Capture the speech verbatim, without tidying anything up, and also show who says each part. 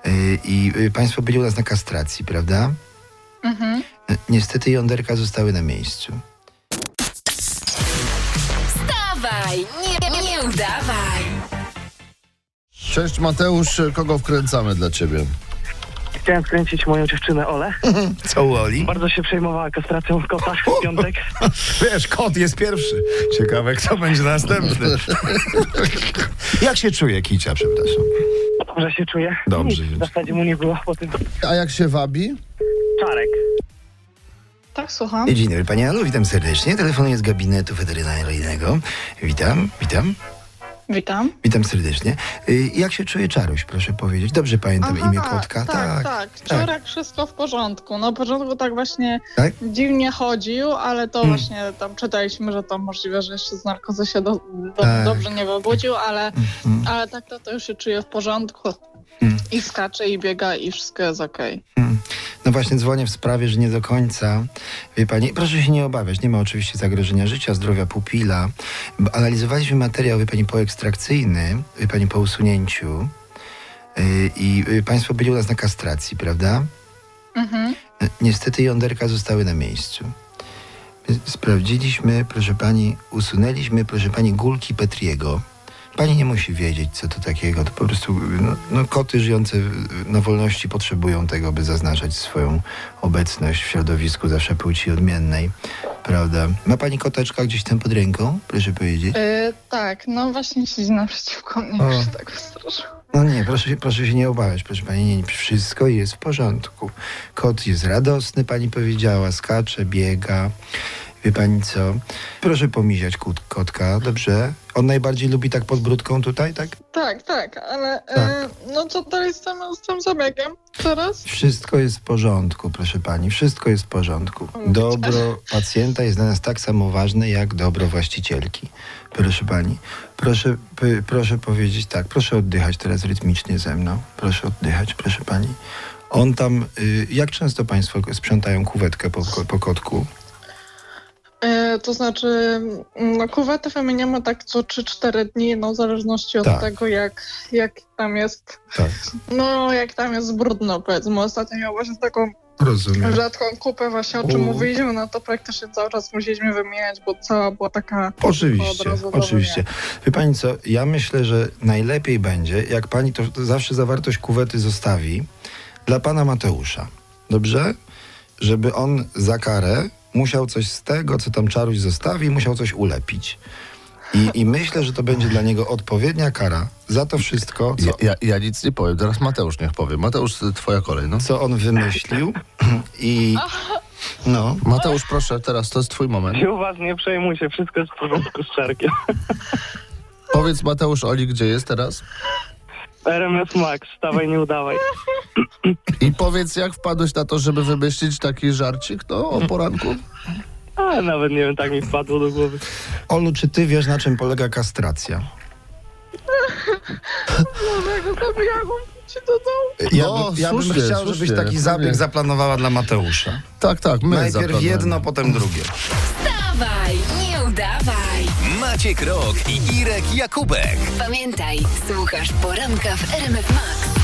Speaker 1: Y, I y, państwo byli u nas na kastracji, prawda?
Speaker 2: Mhm.
Speaker 1: Y, Niestety jąderka zostały na miejscu.
Speaker 3: Wstawaj, nie, nie udawaj.
Speaker 4: Cześć Mateusz, kogo wkręcamy dla ciebie?
Speaker 5: Chciałem skręcić moją dziewczynę Olę.
Speaker 1: Co u Oli?
Speaker 5: Bardzo się przejmowała kastracją kota w piątek.
Speaker 1: Wiesz, kot jest pierwszy. Ciekawe, kto będzie następny. Jak się czuje Kicia, przepraszam?
Speaker 5: Dobrze się czuję.
Speaker 1: Dobrze.
Speaker 5: Nic w zasadzie mu nie było po tym.
Speaker 4: A jak się wabi?
Speaker 5: Czarek.
Speaker 2: Tak, słucham.
Speaker 1: Dzień dobry, Pani Alu, witam serdecznie. Telefonuję z gabinetu weterynaryjnego. Witam, witam.
Speaker 2: Witam.
Speaker 1: Witam serdecznie. Y, Jak się czuje Czaruś, proszę powiedzieć? Dobrze pamiętam
Speaker 2: Aha,
Speaker 1: imię kotka?
Speaker 2: Tak, tak. Wczoraj wszystko w porządku. Na początku tak właśnie
Speaker 1: Tak?
Speaker 2: dziwnie chodził, ale to
Speaker 1: Hmm.
Speaker 2: właśnie tam czytaliśmy, że to możliwe, że jeszcze z narkozy się do, do,
Speaker 1: Tak.
Speaker 2: dobrze nie wybudził, ale,
Speaker 1: Mm,
Speaker 2: ale tak to, to już się czuje w porządku.
Speaker 1: mm,
Speaker 2: I skacze, i biega, i wszystko jest okej.
Speaker 1: mm. No właśnie dzwonię w sprawie, że nie do końca. Wie Pani, proszę się nie obawiać, nie ma oczywiście zagrożenia życia, zdrowia pupila. Bo analizowaliśmy materiał, wie Pani, poekstrakcyjny, wie Pani, po usunięciu. Y, I y, Państwo byli u nas na kastracji, prawda?
Speaker 2: Mhm.
Speaker 1: Y, Niestety jąderka zostały na miejscu. Sprawdziliśmy, proszę Pani, usunęliśmy, proszę Pani, gulki Petriego. Pani nie musi wiedzieć, co to takiego. To po prostu no, no, koty żyjące na wolności potrzebują tego, by zaznaczać swoją obecność w środowisku zawsze płci odmiennej. Prawda? Ma Pani koteczka gdzieś tam pod ręką? Proszę powiedzieć.
Speaker 2: Y, tak, no właśnie siedzi naprzeciwko mnie,
Speaker 1: O.
Speaker 2: już się tak wystraszył.
Speaker 1: No nie, proszę, się- proszę się nie obawiać, proszę Pani. Nie, nie, wszystko jest w porządku. Kot jest radosny, Pani powiedziała, skacze, biega. Wie Pani co? Proszę pomiziać kot, kotka, dobrze? On najbardziej lubi tak pod brudką tutaj, tak?
Speaker 2: Tak, tak, ale
Speaker 1: Tak.
Speaker 2: Y, no co dalej z tym, z tym zabiegiem teraz?
Speaker 1: Wszystko jest w porządku, proszę Pani, wszystko jest w porządku. Dobro pacjenta jest dla nas tak samo ważne, jak dobro właścicielki. Proszę Pani, proszę, p- proszę powiedzieć tak, proszę oddychać teraz rytmicznie ze mną. Proszę oddychać, proszę Pani. On tam, y, jak często Państwo sprzątają kuwetkę po, po kotku?
Speaker 2: E, to znaczy, mm, no kuwetę wymieniamy tak co trzy cztery dni, no w zależności od
Speaker 1: Tak.
Speaker 2: tego, jak, jak tam jest,
Speaker 1: Tak,
Speaker 2: no jak tam jest brudno, powiedzmy. Ostatnio miał właśnie taką
Speaker 1: rozumiem.
Speaker 2: rzadką kupę właśnie, o czym
Speaker 1: U.
Speaker 2: mówiliśmy, no to praktycznie cały czas musieliśmy wymieniać, bo cała była taka od
Speaker 1: Oczywiście,
Speaker 2: razu do
Speaker 1: oczywiście.
Speaker 2: wymiany.
Speaker 1: Wie Pani co, ja myślę, że najlepiej będzie, jak Pani to, to zawsze zawartość kuwety zostawi dla Pana Mateusza. Dobrze? Żeby on za karę musiał coś z tego, co tam Czaruś zostawi, musiał coś ulepić. I, I myślę, że to będzie dla niego odpowiednia kara za to wszystko, co,
Speaker 4: Ja, ja, ja nic nie powiem, teraz Mateusz niech powie. Mateusz, twoja kolej, no.
Speaker 1: co on wymyślił. I no,
Speaker 4: Mateusz, proszę, teraz to jest twój moment.
Speaker 5: Się uważnie, przejmuj się, wszystko jest w porządku z Czarkiem.
Speaker 4: Powiedz Mateusz Oli, gdzie jest teraz?
Speaker 5: R M F Max, wstawaj, nie udawaj.
Speaker 4: I powiedz, jak wpadłeś na to, żeby wymyślić taki żarcik, no, o poranku?
Speaker 5: A nawet nie wiem, tak mi wpadło do głowy.
Speaker 1: Olu, czy ty wiesz, na czym polega kastracja?
Speaker 2: No jak zabijałam ci do domu.
Speaker 1: Ja,
Speaker 4: No,
Speaker 1: by, ja bym
Speaker 4: słusznie,
Speaker 1: chciał,
Speaker 4: słusznie,
Speaker 1: żebyś taki zabieg
Speaker 4: pewnie.
Speaker 1: zaplanowała dla Mateusza.
Speaker 4: Tak, tak, my
Speaker 1: Najpierw
Speaker 4: zaplanujemy.
Speaker 1: jedno, potem drugie.
Speaker 3: Wstawaj, nie udawaj.
Speaker 6: Maciek Rok i Irek Jakubek.
Speaker 3: Pamiętaj, słuchasz poranka w R M F Max.